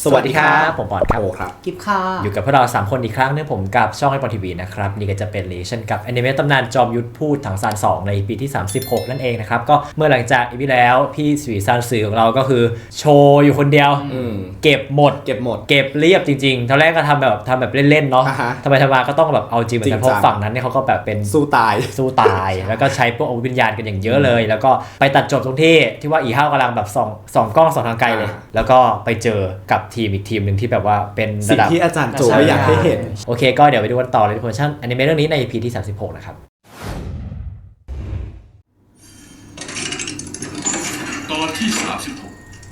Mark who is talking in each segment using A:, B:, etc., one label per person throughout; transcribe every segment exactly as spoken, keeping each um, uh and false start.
A: สวัสดีครับผมปอนครับ
B: โอครับ
C: กิฟค่ะ
A: อยู่กับพวกเราสามคนอีกครั้งนึงผมกับช่องไอปอนทีวีนะครับนี่ก็จะเป็นรีชั่นกับแอนิเมตตำนานจอมยุทธพูดถังซานสองในปีที่สามสิบหกนั่นเองนะครับก็เมื่อหลังจากอีพีแล้วพี่สุริซานสื่อของเราก็คือโชว์อยู่คนเดียวเก็บหมด
B: เก็บหมด
A: เก็บเรียบจริงๆตอนแรกก็ทำแบบทำแบบเล่นๆเนาะ
B: อ่าฮะ
A: ทำไมทำมาก็ต้องแบบเอาจริงเหมือนกันเพราะฝั่งนั้นเนี่ยเขาก็แบบเป็น
B: สู้ตาย
A: สู้ตาย แล้วก็ใช้พวกอาวุธวิญญาณกันอย่างเยอะเลย แล้วก็ไปตัดจบตรงที่ที่ว่าอีห้าวกำลังแบบส่องส่องกล้องส่องทางไกลเลย
B: อ่า
A: แล้วก็ไปเจอกับทีมอีกทีมหนึ่งที่แบบว่าเป็นระ
B: สิ่ง
A: ดับ
B: ที่อาจารย์โจไม่อยากให้เห็น
A: โอเคก็เดี๋ยวไปดูกันต่อเลยทุกคนชั่นอนิเมะเรื่องนี้ใน อี พี ที่สามสิบหกนะครับ
D: ตอนที่สามสิบหก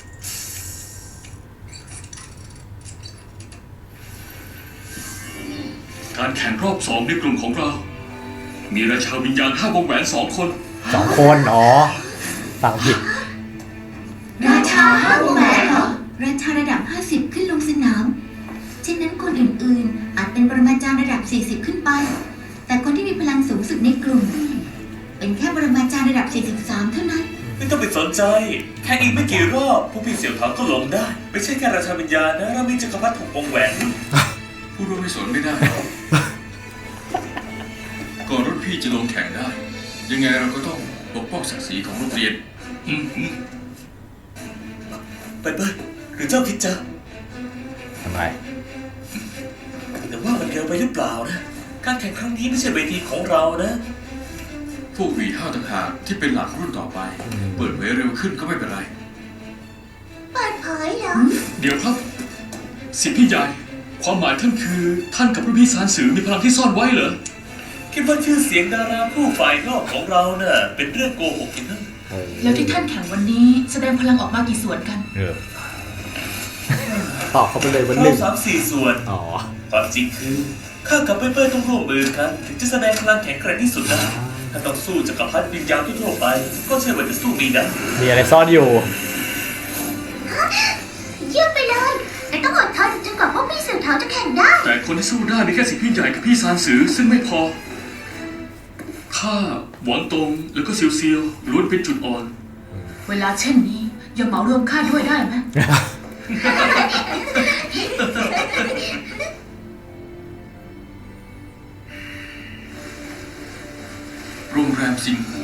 D: การแข่งรอบสองในกลุ่มของเรา มีราชาวิญญาณห้าวงแหวนสองคน
A: สองคนอ๋อฟังผิด
E: ราชาห้าวงแหวนเหรอราชาระดับห้าสิบขึ้นลงสนามเช่นนั้นคนอื่นๆอาจเป็นปรมาจารย์ระดับสี่สิบขึ้นไปแต่คนที่มีพลังสูงสุดในกลุ่มเป็นแค่ปรมาจารย์ระดับสี่สิบสามเท่านั้น
F: ไม่ต้องไปสนใจแค่อีกไม่กี่รอบผู้พี่เสี่ยวถังก็ลงได้ไม่ใช่แค่ราชาวิญญาณนะเรามีจักรพรรดิถูกวงแหวน
D: พูดว่าไม่สนไม่ได้ ก่อนรุ่นพี่จะลงแข่งได้ ยังไงเราก็ต้องปกป้องศักดิ์ศรีของโรงเรียนอืมอืม
F: ไปเปิ้ลหรือเจ้าคิดจะ
A: ทำไม
F: แต่ว่ามันเร็วไปหรือเปล่านะการแข่งครั้งนี้ไม่ใช่เวทีของเรานะ
D: พวกหวีห้าวต่างหากที่เป็นหลักรุ่นต่อไป เปิดเผยเร็วขึ้นก็ไม่เป็นไร
E: เปิดเผยเหรอ
D: เดี๋ยวครับสิทธิพี่ใหญ่ความหมายท่านคือท่านกับรุ่นพี่สารสื่อมีพลังที่ซ่อนไว้เหรอ
F: คิดว่าชื่อเสียงดาราผู้ฝ่ายนอกของเราเน่ะเป็นเรื่องโกหกจริงนะ
G: แล้วที่ท่านแข่งวันนี้แสดงพลังออกมากี่ส่วนกัน
A: เออ
B: ตอบเขาไปเลยวันห
F: เรา
B: นึ่ง
F: สามสี่ส่วน
B: อ๋อ
F: ความจริงคือข้ากับเปิ้ลเปิ้ลต้องร่วมมือกันถึงจะแสดงพลังแข็งแกร่งที่สุดได้ถ้าต้องสู้จักรพรรดิวิญญาณทั่วๆไปก็ใช่ว่าจะสู้มีได้
A: มีอะไรซ่อนอยู่
E: เยี่ยมไปเลยแต่ต้องอดทนจนกว่าพวกพี่เสือเท้าจะแข่งได้
D: แต่คนที่สู้ได้มีแค่สิทธิพี่ใหญ่กับพี่ซานสือซึ่งไม่พอข้าหวังตงแล้วก็เซียวเซียวล้วนเป็นจุดอ่อน
G: เวลาเช่นนี้อย่าเหมารวมข้าด้วยได้ไหม
D: โรงแรมซิงหู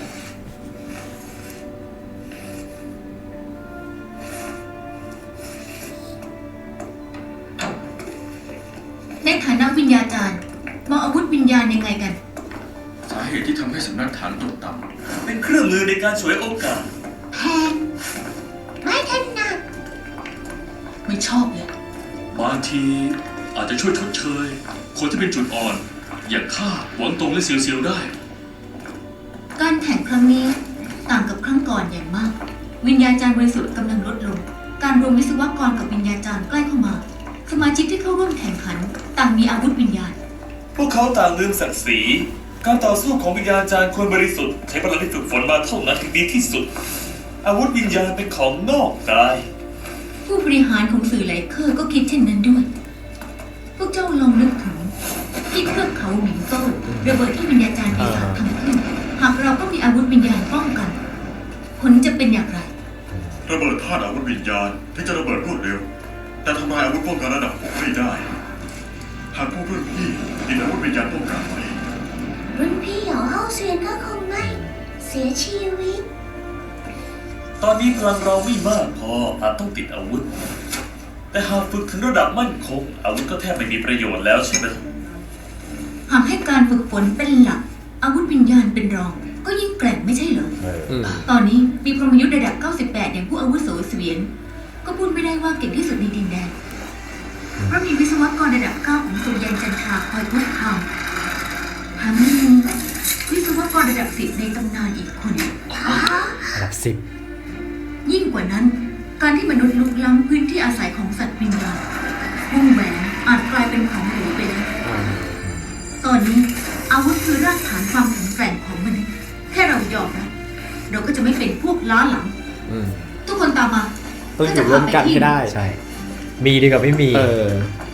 E: ในฐานะวิญญาจารย์มองอาวุธวิญญาณยังไงกัน
D: สาเหตุที่ทำให้สำนักฐานตกต่
F: เป็นเครื่องมือในการฉวยโอกาส
E: แพงไม่ถนัด
G: ไม่ชอบเลย
D: ำบางทีอาจจะช่วยชดเชย คนที่เป็นจุดอ่อน อย่างข้าหวังตงและเซียวเซียวได้
E: การแข่งครั้งนี้ต่างกับครั้งก่อนอย่างมาก วิญญาจารย์บริสุทธิ์กำลังลดลง การรวมวิศวกรกับวิญญาจารย์ใกล้เข้ามา สมาชิกที่เข้าร่วมแข่งขัน ต่างมีอาวุธวิญญาณ
F: พวกเขาต่างลืมศักดิ์ศรีการต่อสู้ของวิญญาณจารย์ควรบริสุทธิ์ใช้พลังที่ฝึกฝนมาเท่านั้นถึงดีที่สุด อาวุธวิญญาณเป็นของนอกกาย
E: ผู้บริหารของสื่อไหลเคอร์ก็คิดเช่นนั้นด้วย พวกเจ้าลองนึกถึงที่เครือเขาหมิงโซ่ระเบิดที่วิญญาจารย์ปีศาจทำขึ้น หากเราก็มีอาวุธวิญญาณป้องกัน ผลจะเป็นอย่างไร
H: ระเบิดธาตุอาวุธวิญญาณที่จะระเบิดรวดเร็ว แต่ทำลายอาวุธป้องกันระดับหกไม่ได้ หากพวกรุ่นพี่มีอาวุธวิญญาณป้องกันไว้
E: รุ่นพี่เหยาเฮาเซียนก็คงไม่เสียชีวิต
F: ตอนนี้พลังเราไม่มากพออาจต้องติดอาวุธ แต่หากฝึกถึงระดับมั่นคง อาวุธก็แทบไม่มีประโยชน์แล้วใช่ไหม
E: หากให้การฝึกฝนเป็นหลัก อาวุธวิญญาณเป็นรอง ก็ยิ่งแกร่งไม่ใช่เหรอ
B: อืม
E: ตอนนี้มีพรหมยุทธ์ระดับเก้าสิบแปดอย่างผู้อาวุโสเสวียน ก็พูดไม่ได้ว่าเก่งที่สุดในดินแดน เพราะมีวิศวกรระดับเก้าของสุริยันจันทราคอยทดทำแถมยังมีวิศวกรระดับสิบในตำนานอีกคน
A: ระดับสิบ
E: ยิ่งกว่านั้น การที่มนุษย์ลุกล้ำพื้นที่อาศัยของสัตว์วิญญาณวงแหวนอาจกลายเป็นของหรูไปแล้ว ตอนนี้อาวุธคือรากฐานความแข็งแกร่งของมนุษย์แค่เรายอมรับเราก็จะไม่เป็นพวกล้าหลัง
B: อืม
E: ทุกคนตามมา
B: ต้องอยู่ร่วมกันให้ได้
A: ใช่มีดีกว่าไม่มี
B: เออ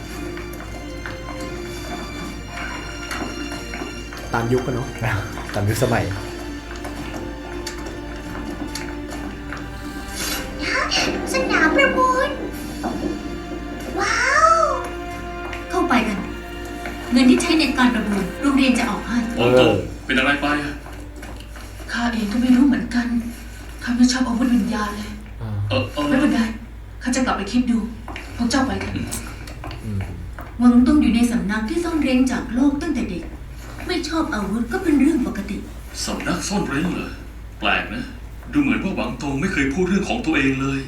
B: ตามยุคกันเนาะ
A: ตามยุคสมัย
E: สนามประมูล
G: เองก็ไม่รู้เหมือนกันข้าไม่ชอบอาวุธวิญญาณเลย
B: อ่า
D: เออเออ
G: ไม่เป็นไรข้าจะกลับไปคิดดูพวกเจ้าไปกัน
B: อืม
E: หวังตงอยู่ในสำนักที่ซ่อนเร้นจากโลกตั้งแต่เด็ก ไม่ชอบอาวุธก็เป็นเรื่องปกติ
D: สำนักซ่อนเร้นเหรอแปลกนะ ดูเหมือนว่าหวังตงไม่เคยพูดเรื่องของตัวเองเลย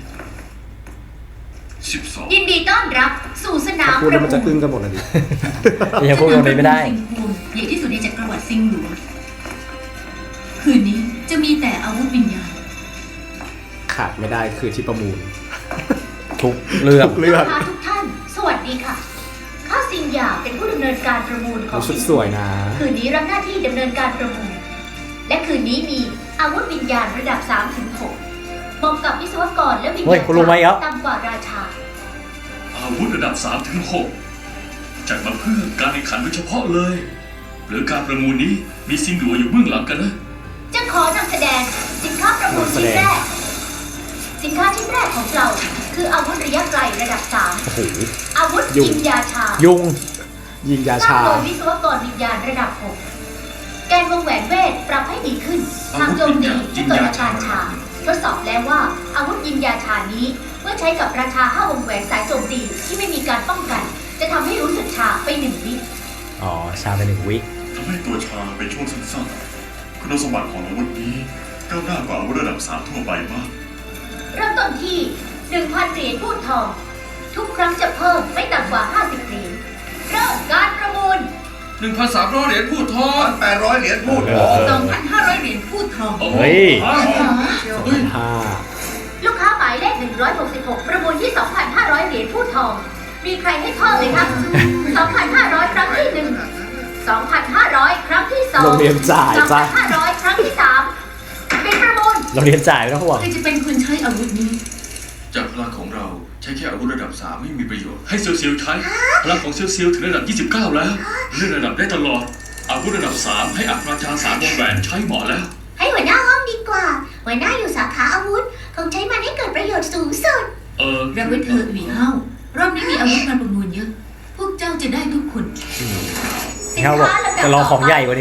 D: สิบสอง
E: ยินดีต้อนรับสู่สนา
B: ถ้าม พูด
E: ป
B: แล้ว
E: ระ
B: มัน
E: มู
B: จะ
E: ล
B: อึ้งกันหมดเลยดิ
A: ยังพูดตรงนี้ไม่ได้
E: สนามประมูลซิงฮวงใหญ่ที่สุดในจักรวรรดิซิงหลวงคืนนี้จะมีแต่อาวุธวิญญาณ
B: ขาดไม่ได้คือที่ประมูล
A: ทุกเรื่อง
B: ทุกเรื่อง
E: ลูกค้าทุกท่าน สวัสดีค่ะ ข้าซิงหยาเป็นผู้ดำเนินการประมูลของ
B: ชุดสวยนะ
E: คืนนี้รับหน้าที่ดำเนินการประมูล และคืนนี้มีอาวุธวิญญาณระดับ สามถึงหก เหมาะกับวิศวกรและวิญ
A: เฮ้
E: ญาย ณ
A: คุณรู้ไหมครับ
E: ต่ำกว่าราชา
D: อาวุธระดับสามถึงหกจัดมาเพื่อการแข่งขันโดยเฉพาะเลย หรือการประมูลนี้มีซิงหลัวอยู่เบื้องหลังกันนะ
E: จะขอนำแสดงสินค้าประมูลชิ้นแรก สินค้าชิ้นแรกของเรา คืออาวุธระยะไกลระดับ สาม
B: โอ้โห
E: อาวุธ
B: ยุ่ง
E: ยิงยาชา
A: ยุง
B: ยิงยา
E: สร้าง
B: ชา
E: โดยวิศวกรวิญญาณระดับ หก แกนวงแหวนเวทปรับให้ดีขึ้น ทางโจมตีที่เกิดอาการชา ทดสอบแล้วว่าอาวุธยิงยาชานี้ เมื่อใช้กับราชาห้าวงแหวนสายโจมตีที่ไม่มีการป้องกัน จะทำให้รู้สึกชาไปหนึ่งวิ
A: อ๋อ ชาไปหนึ่งวิ
H: ทำให้ตัวชาเป็นช่วงสั้นๆคุณสมบัติของอาวุธนี้ก้าวหน้ากว่าอาวุธระดับสามทั่วไปมาก
E: เริ่มต้นที่ หนึ่งพัน เหรียญพูดทอง ทุกครั้งจะเพิ่มไม่ต่ำกว่า ห้าสิบ เหรียญ เริ่มการประมูล
D: หนึ่งพันสามร้อยเหรียญพูดทอง
H: แปดร้อยเหรียญพูด
A: เออ
E: สองพันห้าร้อย เหรียญพูดทอง
A: เฮ้ย
B: ห้า
E: ลูกค้าหมายเลข หนึ่งร้อยหกสิบหก ประมูลที่ สองพันห้าร้อย เหรียญพูดทอง มีใครให้เพิ่มไหมคะ สองพันห้าร้อย ครั้งที่หนึ่ง สองพันห้าร้อย ครั้งที่สอง
B: โรงเรียนจ่าย
E: สอง
B: จ้ะ
E: พันห้าร้อย ครั้งที่สามเป็นประมูล
A: เราเรียนจ่ายไม่ต้องห่วง
G: ใครจะเป็นคนใช้อาวุธนี้
D: จากพลังของเราใช้แค่อาวุธระดับสามไม่มีประโยชน์ ให้เซียวเซียวใช้ พลังของเซียวเซียวถึงระดับยี่สิบเก้าแล้วเลื่อนระดับได้ตลอด อาวุธระดับสามให้อัครราชาสามวงแหวนใช้เหมาะแล้ว
E: ให้หัวหน้าห้องดีกว่า หัวหน้าอยู่สาขาอาวุธ คงใช้มันให้เกิดประโยชน์สูงสุด
D: เออ
G: รับไว้เถอะหวีเฮารอบนี้มีอาวุธมาประมูลเยอะ พวกเจ้าจะได้ทุกคน
E: สิน
A: เขาบอก
E: ค้าลำดับ
A: จะรอของใหญ่
E: ต่
A: กว่านี้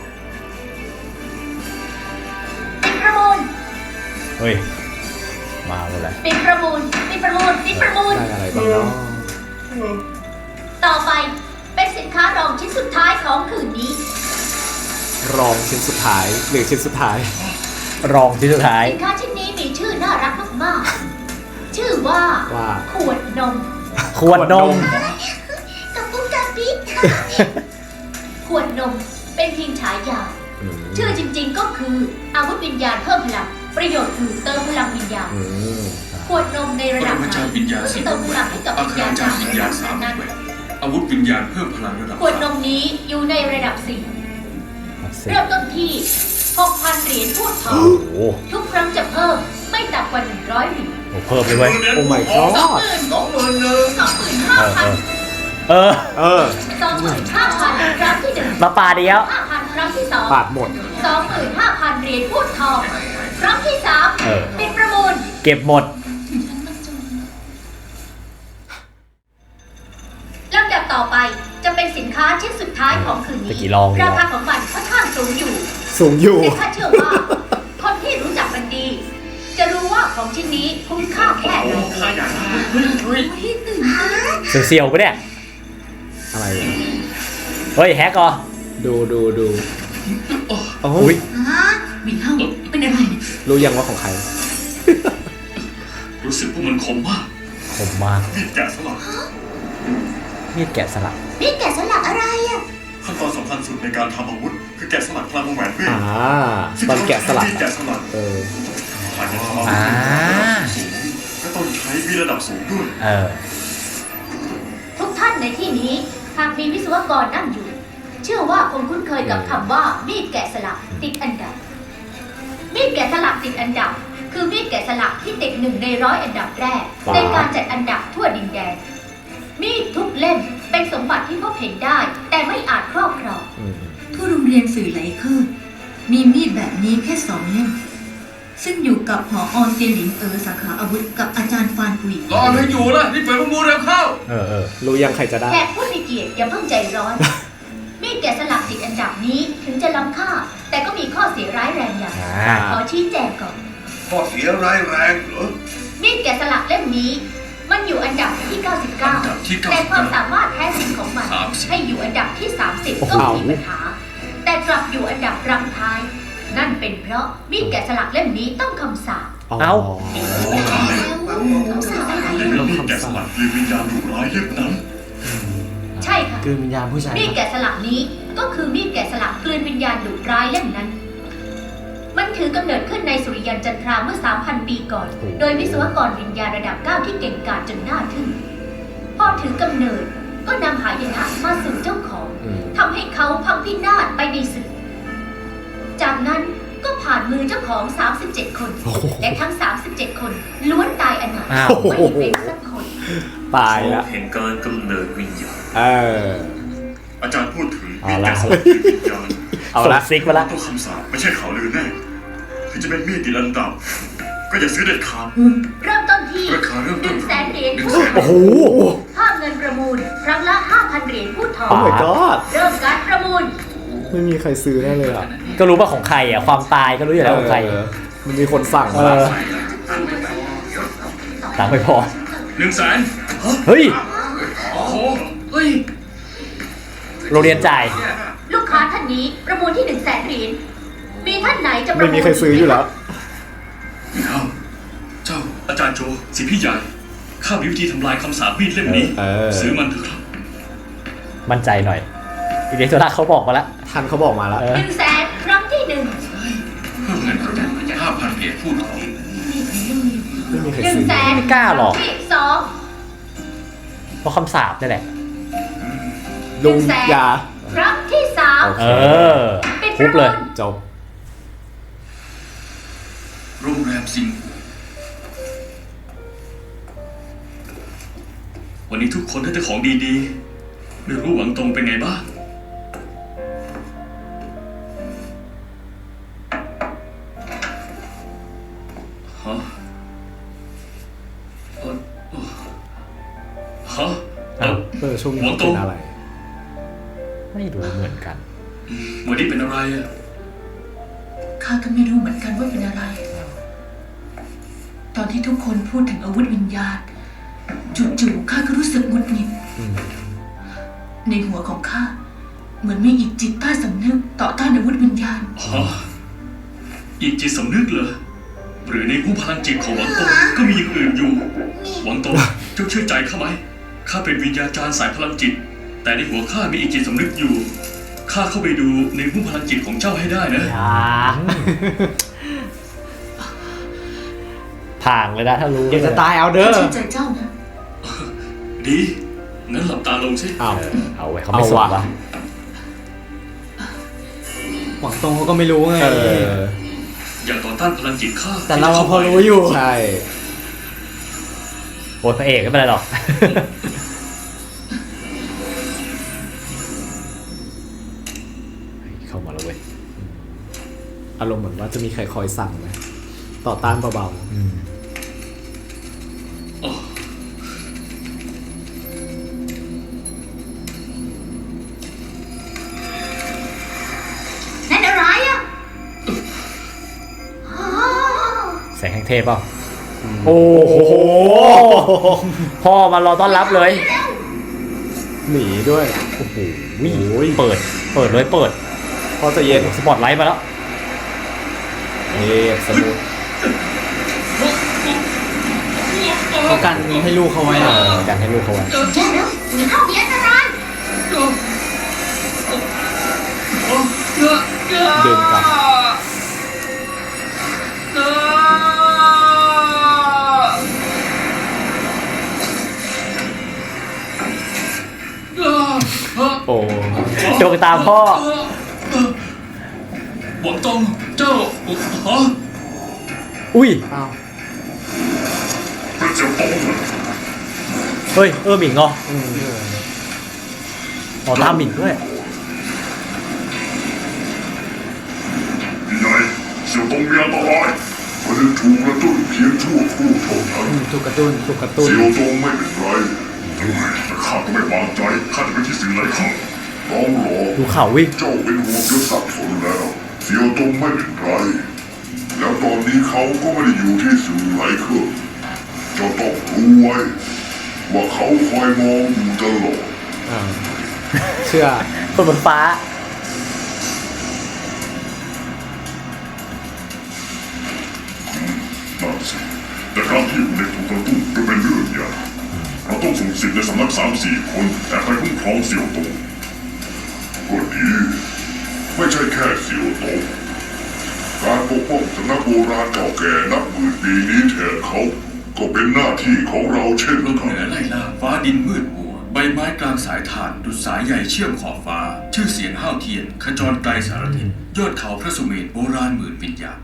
E: ปิดประมูล
A: เฮ้ย มาหมดเลย
E: ปิดประมูล ปิดประมูล ปิดประมูล
B: ได้อะไรบ้างเนาะ
E: ต่อไปเป็นสินค้ารองชิ้นสุดท้ายของคืนนี้
B: รองชิ้นสุดท้ายหรือชิ้นสุดท้าย
A: รองที่สุดท้าย
E: สินค้าชิ้นนี้มีชื่อน่ารักมากๆ ชื่อว่า
B: ว่า
E: ขวดนม
A: ขวดนม
E: กับปุ้งกาปิ๊ก ขวดนมเป็นเพียงฉายา
B: อืม
E: ชื่อจริงๆก็คืออาวุธวิญญาณเพิ่มพลัง ประโยชน์คือเติมพลังวิญญาณ
B: อืม
E: ขวดนมในระดับ
D: ปรมาจารย์วิญญาณสิบ
E: เติมพลังให้กับ
D: อั
E: วิ
D: ค
E: ญ
D: ร
E: ญาณ
D: ราชาวิญญาณสามว
E: นั้
D: ง
E: น
D: แหวนอาวุธวิญญาณเพิ่มพลังระดับ
E: ขวดน
D: สาม
E: มนี้อยู่ในระดับสี่
A: สิ
E: เริ่มต้นที่ หกพัน เหรียญพูดทอ
A: โอ้
E: ง
A: โห
E: ทุกครั้งจะเพิ่มไม่ต่ำกว่า หนึ่งร้อย เหรียญ
A: โอ้เพิ่มเลยเว้ย
B: โอ้ my god
E: สองหมื่น
H: สองหมื่นหนึ่ง
E: สองหมื่นห้า
A: เออ
E: พัน
A: เออ เออ
B: เออ
E: สองหมื่นห้าพันครั้งที่หนึ่ง
A: มาปาเดียว
E: ห้าพันครั้งที่สอง
B: ปาดหมด
E: สองหมื่นห้าพันเหรียญพูดทอง ครั้งที่สาม
A: เออ
E: ปิดประมูล
A: เก็บหมด
E: ลำดับต่อไปจะเป็นสินค้าชิ้นสุดท้ายของคืนนี้
A: ตะกี้ลองอยู่
E: ราคาของมันค่อนข้างสูงอยู่
B: สูงอยู่
E: แต่ข้าเชื่อว่า คนที่รู้จักมันดี จะรู้ว่าของชิ้นนี้คุ้มค่าแค่ไหน
D: ข้าอยากได้เฮ้ยเฮ้ย
A: เสียวๆปะเนี่ย
B: อะไรอ่ะ
A: เฮ้ย แฮกเหรอ
B: ดูดูดูโอ้
A: อุ้
B: ย
A: ย
G: ฮะหวีเฮาเป็นอะไรเนี่ย
B: รู้ยังว่าของใคร
D: รู้สึกว่ามันคมมาก
A: คมมาก
H: มีดแกะสลัก
A: มีดแกะสลัก
E: นี่แกะสลักอะไรอ่ะ
H: ขั้นตอนสำคัญสุดในการทำอาวุธคือแกะสลักพลังวงแหวนเวท
B: อ่า ตอนแกะสลัก
H: ซึ่งแกะสลัก
B: เออ
H: ผ่านการทำอาวุธ
A: อ่า
H: สูงและต้องใช้วิระดับสูงด้วย
A: เออ
E: ทุกท่านในที่นี้หากมีวิศวกรนั่งอยู่ เชื่อว่าคงคุ้นเคยกับคำว่ามีดแกะสลักติดอันดับ มีดแกะสลักติดอันดับ คือมีดแกะสลักที่ติดหนึ่งในร้อยอันดับแรก
B: ว้าว
E: ในการจัดอันดับทั่วดินแดน มีดทุกเล่มเป็นสมบัติที่พบเห็นได้ แต่ไม่อาจครอบครอง
B: อืม
G: ทั่วโรงเรียนสื่อไหลเคอร์มีมีดแบบนี้แค่สองเล่ม ซึ่งอยู่กับผออเซียหลินเออสาขาอาวุธกับอาจารย์ฟานกุย
D: รออะไรอยู่ล่ะนี่เปิดประมูลเร็วเข้า
A: เออเออ
B: รู้ยังใครจะได้
E: แขกผู้มีเกียรติอย่าเพิ่งใจร้อน มีดแกะสลักติดอันดับนี้ถึงจะล้ำค่า แต่ก็มีข้อเสียร้ายแรงอย่าง
A: อ่าอ่า
E: ขอชี้แจงก่อน
H: ข้อเสียร้ายแรงเหรอ
E: มีดแกะสลักเล่มนี้ มันอยู่อันดับที่ เก้าสิบเก้า
D: อันดับที่เก้า
E: แต่
D: สิบ
E: ความ
D: เก้า
E: สามารถแท้จริงของมัน
D: สามสิบ
E: ให้อยู่อันดับที่ สามสิบ
A: โอ้โห
E: ก็ไม่มีปัญหา แต่กลับอยู่อันดับรังท้าย นั่นเป็นเพราะมีดแกะสลักเล่มนี้ต้องคำสาป
A: เอ้า
E: คำสาปอะไร
H: ในมีดแกะสลักคือวิญญาณดุร้ายเล่มนั้น
E: ใช่ค่ะ
B: คือวิญญาณผู้ชาย
E: มีดแกะสลักนี้ก็คือมีดแกะสลักกลืนวิญญาณดุร้ายเล่มนั้น มันถือกำเนิดขึ้นในสุริยันจันทราเมื่อ สามพัน ปีก่อน โดยวิศวกรวิญญาณระดับ เก้า ที่เก่งกาจจนน่าทึ่ง พอถือกำเนิดก็นำหายนะมาสู่เจ้าของ
B: อืม
E: ทำให้เขาพังพินาศไปในศึก จากนั้นก็ผ่านมือเจ้าของ สามสิบเจ็ด คน และทั้ง สามสิบเจ็ด คนล้วนตายอนาถ
A: อ้าว
E: ไม่มีเป็นสักคน
B: ตายละ
F: เห็นการกำเนิดวิญญาณ
B: เออ
H: อาจารย์พูดถึง
A: เอา
H: มีด
A: ละ
H: แกะสลักคือวิญญาณ
B: เอา
A: ส่ง
B: ละ
A: ซิกมาละ
H: ต้องคำสาปไม่ใช่ข่าวลือแน่ถึงจะเป็นมีดติดอันดับ ก็อย่าซื้อเด็ดขาด
E: เริ่มต้นที่
H: ราคาเริ่ม
E: ห
H: ต้
E: นึ่
H: น
E: งแสนเหรียญ
H: หนึ่ง
E: พู
H: แส
E: ด
H: น
A: โอ้โห
E: ค่าเงินประมูล ครั้งละ ห้าพัน เหรียญพูดทอ
B: โอ้
E: ง
B: my god
E: เริ่มการประมูล
B: ไม่มีใครซื้อได้เลยอ่ะ
A: ก็รู้ว่าของใครอ่ะ ความตายก็รู้อยู่แล้วของใคร
B: เออมันมีคนสั่ง
A: เอ
B: มาละ
A: อตังค์ไม่พอ
D: หนึ่งแสน
A: เฮ้ย
D: โอ้โหเฮ้ย
A: โรงเรียนจ่าย
E: ลูกค้าท่านนี้ประมูลที่ หนึ่งแสน เหรียญ มีท่านไหนจะประมูล
B: ไม่มีใครซื้ออยู่แล้ว
D: เจ้าเจ้าอาจารย์โจสิพี่ใหญ่ข้ามีวิธีทำลายคำสาปมีดเล่มนี้
B: เออ
D: ซื้อมันเถอะครับ
A: มั่นใจหน่อยอีเดโซล่าเขาบอกมาแล้ว
B: ทันเขาบอกมาแล้ว
A: เออ
E: หนึ่งแสนครั้งที่หนึ่ง
D: เพิ่มเงินประมูลห้าพันเหรียญพูดทอง
B: ไม่มีใคร
E: หนึ่ง
B: ซื้อ
E: แสน
A: ไม่กล้าหรอก
E: คงที่สอง
A: เพราะคำสาปนี่แหละ
B: ลุงยา
E: ครั้งที่สาม
A: เออ
E: เป็น
A: ทุบเลย
B: จบ
D: โรงแรมซิงห์วันนี้ทุกคนได้แต่ของดีๆไม่รู้หวังตรงเป็นไงบ้างฮะเอ่อเอ่อฮะเออ
B: เออช่วงนี้เขาเป็นอะไร
A: ไม่รู้เหมือนกัน
D: วันนี้เป็นอะไรอ่ะ
G: ข้าก็ไม่รู้เหมือนกันว่าเป็นอะไร ตอนที่ทุกคนพูดถึงอาวุธวิญญาณ จู่ๆข้าก็รู้สึกหงุดหงิด
B: อืม
G: ในหัวของข้าเหมือนมีอีกจิตใต้สำนึกต่อต้านอาวุธวิญญาณ
D: ฮะอีกจิตสำนึกเหรอ หรือในผู้พลังจิตของหวังตงก็มีอย่างอื่นอยู่ หวังตงเจ้าเชื่อใจข้าไหมข้าเป็นวิญญาจารย์สายพลังจิต แต่ในหัวข้ามีอีกจิตสำนึกอยู่ข้าเข้าไปดูในผู้พลังจิตของเจ้าให้ได้นะ
A: ผ่างเลยนะถ้ารู้
B: เดี๋ยวจะตายเอาเด้อ
G: ข้าเชื่อใจเจ้านะ
D: ดีงั้นหลับตาลงสิ
B: อ้าว
A: เอาไว้เขาไม่สน
B: เอา
A: วะ
B: วะ
C: หวังตรงเขาก็ไม่รู้ไง
B: เออ
D: อย่าต่อต้านพลังจิตข้า
C: แต่เราอะพอรู้อยู่
B: ใช่
A: โอ้ยพระเอกไม่เป็นไรหรอก เข้ามาแล้วเว้ย
B: อารมณ์เหมือนว่าจะมีใครคอยสั่งไหมต่อต้านเบา
A: อืม
D: อ๋อ
E: นั่นอะไรอ่ะอ๋อ
A: แสงแห่งเทพเปล่าโอ้โห พ่อมารอต้อนรับเลย
B: ๆหนีด้วย
A: โอ้โหเปิด เปิดเลยเปิด
B: พอจะเย็น
A: สปอตไลท์มาแล้ว
B: เอ๊ะสมุด
C: เขากันให้ลูกเขาไว้อะ
A: การให้ลูกเขาไว้
E: แย่แล้วหนีเข้ามีอันตราย
B: ดึงกลับ โอ้
A: ดวงตาพ่อ
D: หวังตงเจ้าฮะ
A: อุ้ย
B: อ้าว
H: เป็นเจ้าของ
A: เฮ้ย เออหมิงเหรออ๋อตามหมิงด้วย
H: ใหญ่เสี่ยวตงมีอันตรายมันจะถูกกระตุ้นเพียงชั่วครู่เท่านั้น
C: ถูกกระตุ้น
B: ถูกกระตุ้น
H: เสี่ยวตงไม่เป็นไรแต่ข้าก็ไม่วางใจข้าจะไปที่สิ่งไรข้างร้องรอ
A: ดูข่าววิ่ง
H: เจ้าเป็นห่วงจนสับสนแล้วเสี่ยวตงไม่เป็นไรนี้เขาก็ไม่ได้อยู่ที่สื่อไหลเครื่องเจ้าต้องรู้ไว้ว่าเขาคอยมองอยู่ตลอด
B: อ่าเชื่อ
A: คนบนฟ้า
H: นั่นสิแต่การที่อยู่ในถูกกระตุ้นก็เป็นเรื่องใหญ่เราต้องส่งสิทธิ์ในสำนักสามสี่คนแต่ไปคุ้มครองเสี่ยวโตก็ดีไม่ใช่แค่เสี่ยวโตการปกป้องสำนักโบราณเก่าแก่นับหมื่นปีนี้แทนเขาก็เป็นหน้าที่ของเราเช่น
D: ลม
H: กัน
D: เหนือไล่ล่าฟ้าดินมืดมัวใบไม้กลางสายถ่านดุจสายใหญ่เชื่อมขอบฟ้า ชื่อเสียงห้าวเทียนขจรไกลสารทิศยอดเขาพระสุเมรุโบราณหมื่นวิญญาณ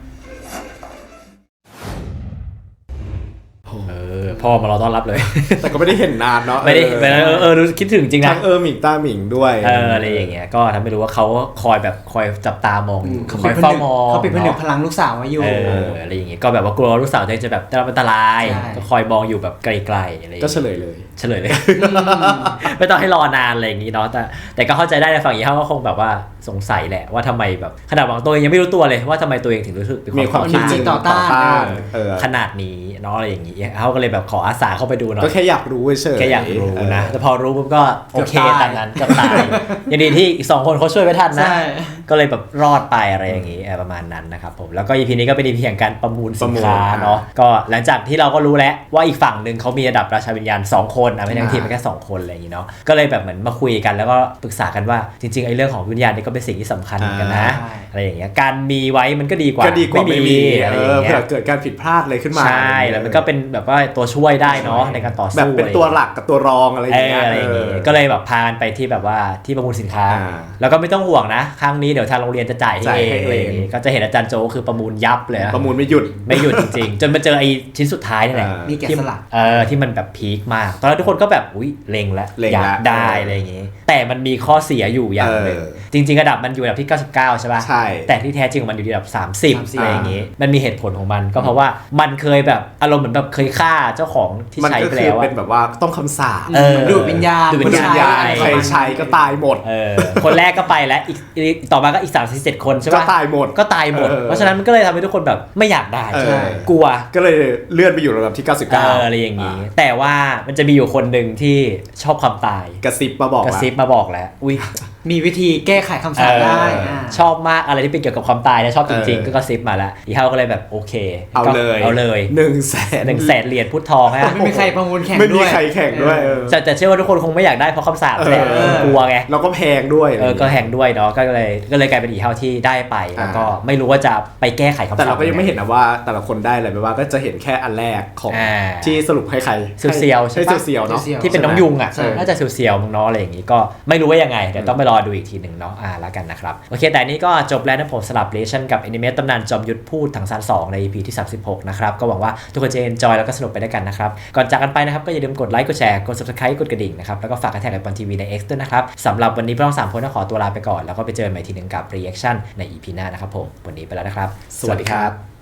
A: เออพ่อมารอต้อนรับเลย
B: แต่ก็ไม่ได้เห็นนานเนาะ
A: ไม่ได้ไม่ได้เออเออรู้คิดถึงจริงนะ
B: ทั้งเออหมิงต้าหมิงด้วย
A: เอออะไรอย่างเงี้ยก็ทำให้รู้ว่าเขาคอยแบบคอยจับตามองอยู่
C: เขา
A: ค
C: เป็
A: อน ย
C: ผ
A: เฝ้า
C: นึก
A: มอง
C: เขาเป็นผนึก
A: เนาะ
C: พลังลูกสาวไว้อยู่
A: เอออะไรอย่างเงี้ยก็แบบว่ากลัวลูกสาวตัวเองจะแบบได้รับอันตราย
C: ใช่
A: ก็คอยมองอยู่แบบไกลๆอะไรอย่าง
B: ก็
A: เงี้ย
B: เฉลยเลย
A: เฉลยเลย ไม่ต้องให้รอนานอะไรอย่างงี้เนาะแต่แต่ก็เข้าใจได้ในฝั่งยี่ห้อก็คงแบบว่าสงสัยแหละว่าทำไมแบบขนาดหวังตัวเองยังไม่รู้ตัวเลยว่าทำไมตัวเองถึงรู้สึก
B: มีความ
A: ต่อ
B: คิด
A: ต้าน
B: จริง
C: ต่อต้าน
B: เออ
A: ขนาดนี้เนาะอะไรอย่างงี้เขาก็เลยแบบขออาสาเข้าไปดูหน่อย
B: ก็แค่อยากรู้เฉยๆ
A: แค่อยากรู้นะ
B: เออ
A: แต่พอรู้ปุ๊บก็โอเค
C: เกือบตาย
A: ตามนั้นเกับตายยังดีที่อีกสองคนเขาช่วยไว้ทันนะ
C: ใช่
A: ก็เลยแบบรอดไปอะไรอย่างงี้เออประมาณนั้นนะครับผมแล้วก็ อี พี นี้ก็เป็น อี พี แห่งการประมูลสินค้า
B: ประมูล
A: เนาะก็หลังจากที่เราก็รู้แล้วว่าอีกฝั่งหนึ่งเขามีระดับราชาวิญญาณสองคนอ่ะไม่ทั้งทีมเป็นแค่สองคนอะไรอย่างงี้เนาะก็เลยแบบเหมือนมาคุยกันแล้วก็ปรึกษากันว่าจริงๆไอ้เรื่องของวิญญาณนี่ก็เป็นสิ่งที่สำคัญเหมือนกันนะ
C: ใช่
A: อะไรอย่างเงี้ยการมีไว้มันก็ดีกว่า
B: ก็ดีกว่าไม่มี
A: อะไร
B: เอ
A: อย่าง
B: อ
A: เงี้
B: เผื่
A: ย
B: อเกิดการผิดพลาดอะไรขึ้นมา
A: ใช่แล้วมันก็เป็นแบบว่าตัวช่วยได้เนาะในการต่อสู้
B: แบบเป็นตัวหลักกับตัวรองอะไรอ
A: เอย่าง อ
B: เงี้ย
A: อะไรอย่างงี้
B: เออ
A: ก็เลยแบบพากันไปที่แบบว่าที่ประมูลสินค้า
B: อ่า
A: แล้วก็ไม่ต้องห่วงนะครั้งนี้เดี๋ยวทางโรงเรียนจะจ่ายให้
B: จ่าย
A: เอ
B: ให้
A: งอะไรอย่างงี้
B: เอง
A: ก็จะเห็นอาจารย์โจคือประมูลยับเลยอะ
B: ประมูลไม่หยุด
A: ไม่หยุดจริงๆ จนมาเจอไอ้ชิ้นสุดท้ายนี่แหละ
B: อ่า
C: มีแกะ
A: ที่
C: สลัก
A: เออที่มันแบบพีคมากตอนแรกทุกคนก็แบบอุ้ยเล็งแล้ว
B: เล็ง
A: อยาก
B: แล้ว
A: ได้
B: เอออ
A: อะไรอย่างงี้ แต่มันมีข้อเสียอยู่อย่างหนึ่ง
B: เออ
A: จริงๆระดับมันอยู่ระดับที่เก้าสิบเก้าใช่ป่ะ
B: ใช่
A: แต่ที่แท้จริงมันอยู่ระดับสามสิบ
C: สามสิบ
A: อะไรอย่างงี้มันมีเหตุผลของมันก็เพราะว่ามันเคยแบบอารมณ์เหมือนแบบเคยฆ่าเจ้าของที่
B: มัน
A: ใช้
B: ก็
A: ไป
B: คือ
A: แล้ว
B: เป็น
A: อะ
B: แบบว่าต้องคำสาป
A: เออ
C: ดูดวิญญาณ
A: ดูดวิญญาณ
C: ผู้ชาย
B: ใครใช้ก็ตายหมด
A: เออคนแรกก็ไปแล้วอีกอีกต่อมาก็อีกสามสิบเจ็ดคนใช่
B: ก็
A: ปะ
B: ตายหมด
A: ก็ตายหมด
B: เออ
A: เพราะฉะนั้นมันก็เลยทำให้ทุกคนแบบไม่อยากได้
B: เออ
A: ใช่กลัว
B: ก็เลยเลื่อนไปอยู่ระดับที่ เก้าสิบ
A: เอ
B: เก้า
A: ออะไรอย่างนี้ แต่ว่ามันจะมีอยู่คนหนึ่งที่ชอบความตาย
B: กระซิบมาบอก
A: กระซิบมาบอกแล้วอุ้ย
C: มีวิธีแก้ไขคำสาปได้
A: เอออา ชอบมากอะไรที่เป็นเกี่ยวกับความตายนะชอบจริงๆก็กระซิบมาแล้วอีเฮาก็เลยแบบโอเค
B: เอาเลย
A: เอาเลย
B: หนึ่งแสน
A: หนึ่งแสนเหรียญพุทธทองฮะ
C: ไม่มีใครประมูลแข่ง
B: ไม่
C: ด้
B: มี
C: วย
B: ใครแข่งด้วยเออ
A: แต่แต่เชื่อว่าทุกคนคงไม่อยากได้เพราะคำสาปแหละ
B: เออ
A: กลัวไง
B: แล้วก็แพงด้วย
A: เออก็แหงด้วยเนาะก็เลยก็เลยกลายเป็นอีเฮาที่ได้ไปแล้วก็ไม่รู้ว่าจะไปแก้ไขคำสาป
B: แต่เราก็ยังไม่เห็นนะว่าแต่ละคนได้อะไรไปว่าก็จะเห็นแค่อันแรกของ
A: อ่า
B: ที่สรุปให้ใคร
A: เซียวๆใช่
B: ใช่
A: ปะ
B: เซียวๆเนาะ
C: เซียวๆ
A: ที่เป็นน้องยุงอ่ะ
C: ใช่
A: น่าจะเซียวๆมึงเนาะอะไรอย่างงี้ก็ไม่รู้ว่ายังไงเดี๋ยวต้องไปรอดูอีกทีหนึ่งเนาะอ่าแล้วกันนะครับโอเคแต่นี้ก็จบแล้วนะผมสลับเลชั่นกับแอนิเมตตำนานจอมยุทธพูดถังซานสองใน อี พี ที่สามสิบหกนะครับก็หวังว่าทุกคนจะเอนจอยแล้วก็สนุกไปด้วยกันนะครับก่อนจากกันไปนะครับก็อย่าลืมกดไลค์กดแชร์กด Subscribe กดกระดิ่งนะครับแล้วก็ฝากกระแทกไอปอนทีวีใน X ด้วยนะครับสำหรับวันนี้พวกเราสามคนต้องขอตัวลาไปก่อนแล้วก็ไปเจอกันใหม่ทีหนึ่งกับ Reaction ใน อี พี หน้านะครับผมวันนี้ไปแล้วนะครับ
B: สวัสดีครับ